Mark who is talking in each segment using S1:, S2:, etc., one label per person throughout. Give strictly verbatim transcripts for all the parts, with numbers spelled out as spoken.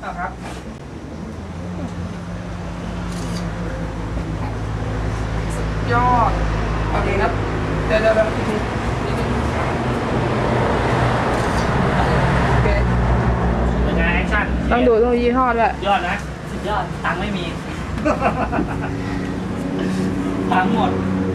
S1: ครับสุดยอดโอเคครับเดี๋ยวเดี๋ยวอีกทีโอเค
S2: เป็นไงแอคชั่น
S3: ต้องดูต้องยี่ห้อด้วย
S2: ยอดนะสุดยอดตังค์ไม่มีตังค์หมด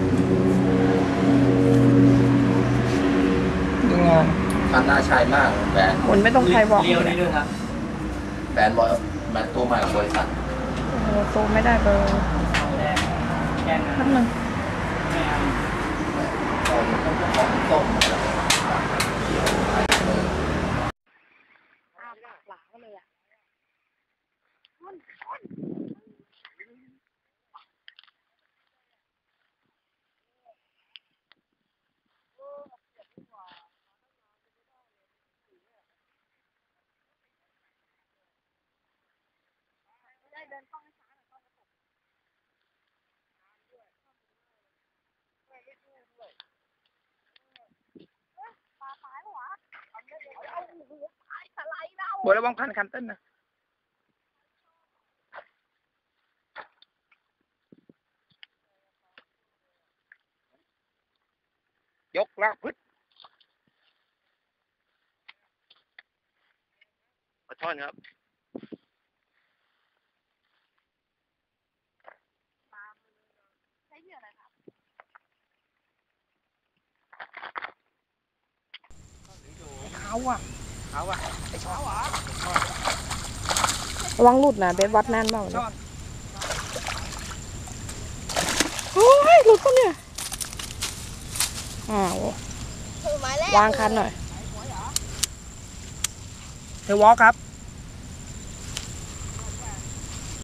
S1: ดูงาน
S4: คันน่าใช้มากแบรนด์
S3: หมุนไม่ต้องใช้บอก
S2: เลี้ยวนี่ด้วยครับ
S4: แบรนด์บอยแบรนด์ตัวใหม่ของบริษัท
S3: โอ้โหโตไม่ได้เบอร์
S2: แดงแดง
S3: แป๊บนึง
S2: ไม่เอา
S4: ของของต้มอะไรเขียวอะไรเลย
S3: อ้าวหลังเลยอ่ะบระวังพันคันต้นนะยกลากพึ่งปลาช่อนครับใช้เหยื่ออะไรครับเขาอ่ะเขาอ่ะไอ้ช้อนระวังหลุดนะเบสวัดแน่นเปล่าเนี่ยโอ้ยหลุดปะเนี่ยอ้าววางคันหน่อย
S1: เทวอลครับ